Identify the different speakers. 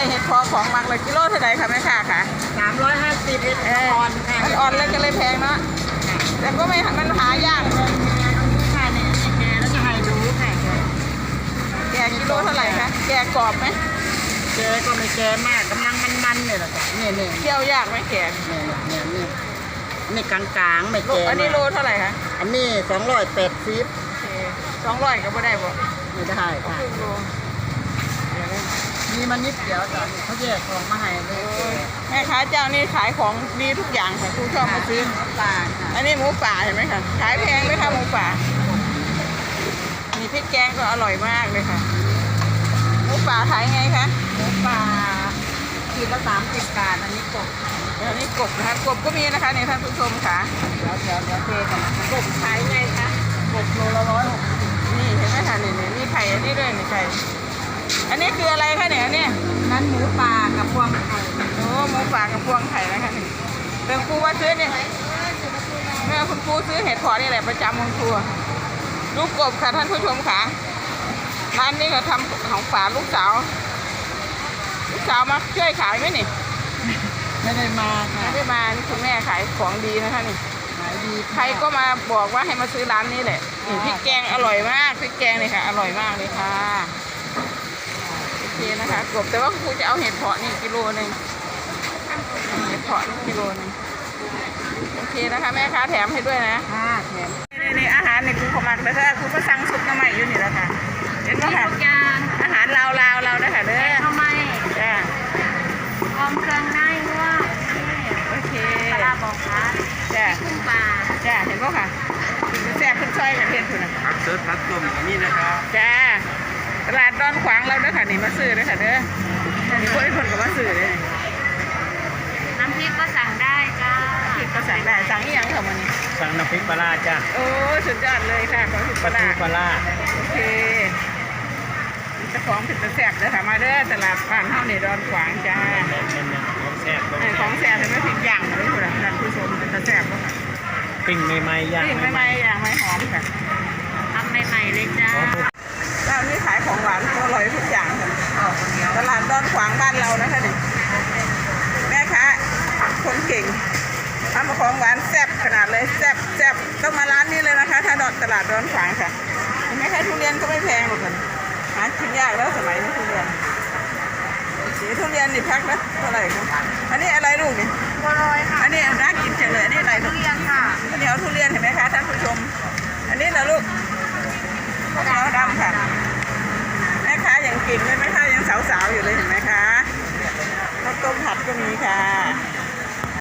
Speaker 1: เห็ดพอของมักเลยกิโลเท่าไหร่คะแม่ค้าค่ะ
Speaker 2: 350เห็ดอ่อนค่ะ
Speaker 1: มันอ่อนแล้วก็เลยแพงเนาะแต่ก็ไม่มันหายาก
Speaker 2: ค่ะเนี่ยแกแล้วจะให้ดูค่ะ
Speaker 1: แกกิโลเท่าไหร่คะแกกรอบไหม
Speaker 2: แกก็ไม่แกมากกำลังมันๆเนี่ยแหละค่ะเนี่ย
Speaker 1: เคี่ยวยากไหมแก
Speaker 2: เนี่ยนี่กลางๆไม่แก
Speaker 1: อันนี้โลเท่าไหร่คะ
Speaker 2: อันนี้280
Speaker 1: 200ก็ไม่ได้บ่
Speaker 2: ไม่ได้ค่ะมีมันนิดเดียวจ้ะเขาแยกของมาให้เลย
Speaker 1: แม่ค้าเจ้านี่ขายของดีทุกอย่างค่ะทุกชอบมาซื้อ
Speaker 2: ป่า
Speaker 1: อันนี้หมูป่าเห็นไหมคะขายแพงไหมคะหมูป่ามีพริกแกงก็อร่อยมากเลยค่ะหมูป่าขายไงคะ
Speaker 2: หมูป่าขีดละ30 บาทอันนี้กบ
Speaker 1: นะคะกบก็มีนะคะในท่านผู้ชมค่ะ
Speaker 2: เดี๋ยวเทกัน
Speaker 1: กบขายไงคะ
Speaker 2: กบโลละ160
Speaker 1: นี่เห็นไหมคะนี่มีไข่อันนี้ด้วยนี่ไข่อันนี้คืออะไรคะเนี่ยเนี่ย
Speaker 2: นั้นหมูป่ากับพวงไข่
Speaker 1: โอ้หมูป่ากับพวงไข่นะคะนี่เป็นครูว่าซื้อเนี่ยแม่คุณครูซื้อเห็ดเพาะนี่แหละประจำของครูลูกกบค่ะท่านผู้ชมค่ะร้านนี้ก็ทำของฝากลูกสาวมาช่วยขายไหมนี่
Speaker 2: ไม่ได้มาค่ะ
Speaker 1: ไม่ได้มานี่คุณแม่ขายของดีนะคะนี่
Speaker 2: ขายดี
Speaker 1: ใครก็มาบอกว่าให้มาซื้อร้านนี้แหละนี่พริกแกงอร่อยมากพริกแกงเลยค่ะอร่อยมากเลยค่ะโอเคนะคะกบแต่ว่าครูจะเอาเห็ดเพาะนี่กิโลนึงเห็ดเพาะนี่กิโลนึงโอเคนะคะแม่ค้าแถมให้ด้วยนะ
Speaker 2: แถม
Speaker 1: นี่อาหารนี่คุณขมักเลยค่ะคุณก็สั่งซุปน้ำใหม่อยู่นี่แล้วค่ะเห็นไหมคะอาหารลาวเรานะคะเด้อ
Speaker 3: ทำไม
Speaker 1: จ้า
Speaker 3: พร้อมเครื่องในว่า
Speaker 1: โอเค
Speaker 3: ปลาบอกค่ะ
Speaker 1: จ้า
Speaker 3: กุ้งปลา
Speaker 1: จ้าเห็นป่ะค่ะแซ่บขึ้นช่อยกับเพียนคุณนะ
Speaker 2: ผักเสิร์ฟผักต้มนี่นะครับ
Speaker 1: จ้าตลาดดอนขวางเราเด้อค่ะนี่มาซื้อเด้อค่ะเด้อมีคนก็มาซื้อเลย
Speaker 3: น้ำพริกก็สั่งได้จ้า
Speaker 1: พริกก็สั่งได้สั่งอีกอย่างค่ะวันนี้
Speaker 2: สั่งน้ำพริกปลาจ้า
Speaker 1: โอ้สุดยอดเลยค่ะของพริกปลาโอเคจะของผิดแซ่บเลยค่ะมาเด้อตลาดบ้านเฮาในดอนขวางจ้าของแซ่บเห็นไหมพริกย่างเลยคุณท่านผู้ชมเป็นแซ่บป่ะค่ะ
Speaker 2: ปิ้งใหม่ๆย่าง
Speaker 1: ปิ้งใหม่ๆย่างไม่หอมค่ะ
Speaker 3: ทำใหม่ๆเลยจ้า
Speaker 1: ร้านนี้ขายของหวานอร่อยทุกอย่างค่ะตลาดดอนขวางบ้านเรานะคะนี่แม่ค้าคนเก่งทำของหวานแซ่บขนาดเลยแซ่บต้องมาร้านนี้เลยนะคะถ้าตลาดดอนขวางค่ะเห็นไหมคะทุเรียนก็ไม่แพงหรอกกันหากินยากแล้วสมัยนี้ทุเรียนสีทุเรียนนี่พักนะเท่าไหร่คะอันนี้อะไรลูกนี่
Speaker 3: บัวลอยค่ะ
Speaker 1: อันนี้น่ากินจังเลยอันนี้อะไร
Speaker 3: ทุเรียนค่ะ
Speaker 1: อันนี้เอาทุเรียนเห็นไหมคะท่านผู้ชมอันนี้นะลูกข้าวเหนียวดำค่ะแม่ค้ายังเก่งเลยแม่ค้ายังสาวๆอยู่เลยเห็นไหมคะข้าวต้มผัดก็มีค่ะ